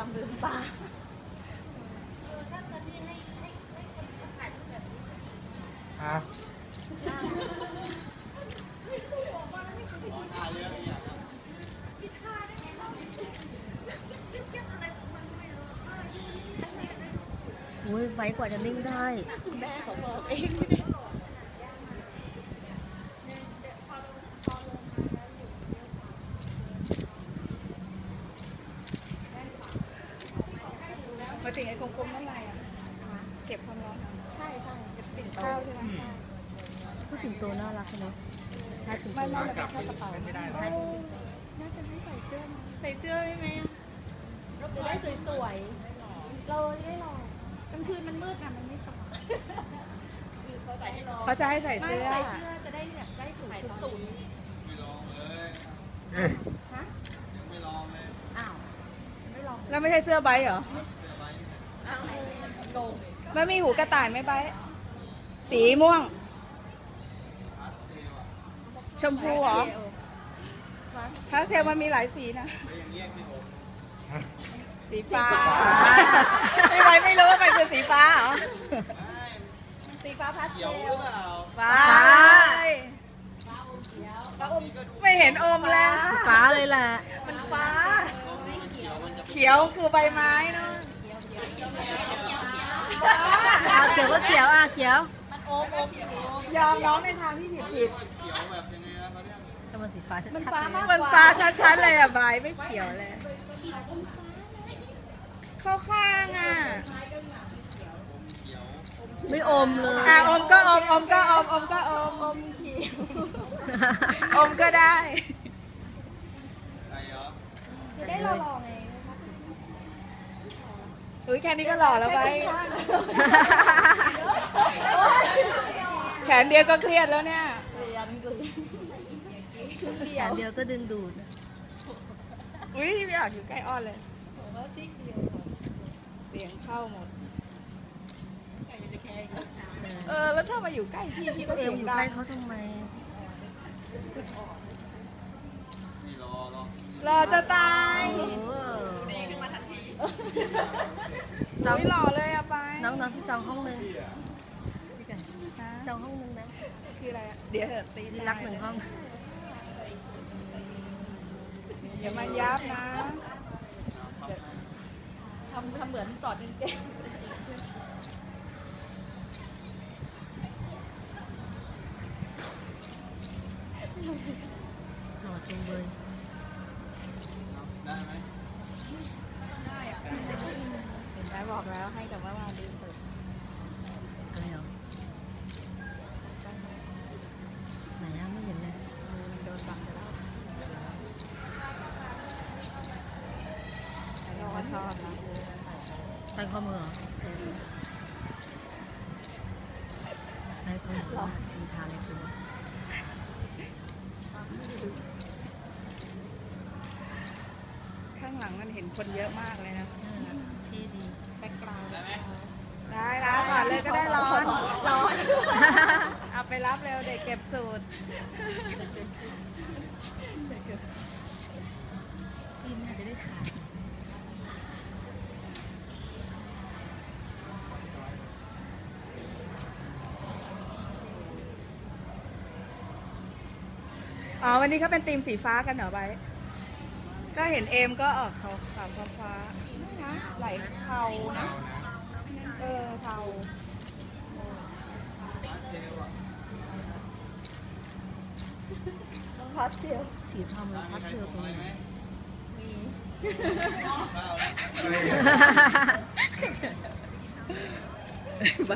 ลืมตาอ่ะอุ้ยไวกว่าจะนิ่งได้แม่เขาบอกเองมาถึงไอ้กลมๆนั่นอะไรอ่ะเก็บความร้อนใช่เป็นปิ่นข้าวใช่ไหมพูดถึงตัวน่ารักเนาะถ้าถึงไม่เป็นแค่กระเป๋าน่าจะให้ใส่เสื้อมาใส่เสื้อได้ไหมจะได้สวยๆเราได้ลองกลางคืนมันมืดนะมันไม่สว่างเขาจะให้ใส่เสื้อจะได้แบบได้สูงสุดไม่ลองเลยฮะยังไม่ลองเลยอ้าวไม่ลองแล้วไม่ใช่เสื้อใบเหรออ้าวโกงไม่มีหูกระต่ายไหมใบสีม่วงชมพูเหรอพาสเทลมันมีหลายสีนะสีฟ้าไม่รู้ว่ามันคือสีฟ้าเหรอสีฟ้าพาสเทลฟ้าไม่เห็นอมแล้วฟ้าเลยแหละมันฟ้าเขียวคือใบไม้เนาะเขียวก็เขียวเขียวมันโอมยอมน้องในทางที่ผิดเขียวแบบยังไงนะเขาเรียกก็มันสีฟ้าชัดๆมันฟ้าชัดๆเลยอ่ะใบไม่เขียวเลยเข้าข้างอ่ะไม่อมเลยอมก็อมก็อมก็อมเขียวอมก็ได้จะได้หล่อๆไงอุ้ยแค่นี้ก็หล่อแล้วไปแขนเดียวก็เครียดแล้วเนี่ยแขนเดียวก็ดึงดูดอุ้ยไม่อยากอยู่ใกล้อ้อนเลยเสียงเข้าหมดแล้วถ้ามาอยู่ใกล้พี่ก็เสียงดังอยู่ใกล้เขาทำไมรอจะตายจองหล่อเลยอะไปน้องพี่จองห้องนึงจองห้องนึงนะคืออะไรเดี๋ยวเถอะตีรัก1 ห้องอย่ามันยับนะทำเหมือนสอนเก่งหล่อจริงเลยได้ไหมได้อะเห็นไหมบอกแล้วให้แต่ว่ามาดีสุดอะไรหรอไหนไม่เห็นเลยโดนบังไปแล้วเราก็ชอบนะใส่ข้อมือเหรอให้ข้อมือมีทาอะไรตัวข้างหลังมันเห็นคนเยอะมากเลยนะเท่ดีแบ็คกราวด์ได้แล้วก่อนเลยก็ได้ร้อนเอาไปรับเร็วเด็กเก็บสูตรพี่น่าจะได้ถ่ายวันนี้เขาเป็นธีมสีฟ้ากันเหรอใบก็เห็นเอมก็ออกเขาฟ้านะไหลเทานะเทาพาสเทลสีทองพาสเทลตรงไหนมี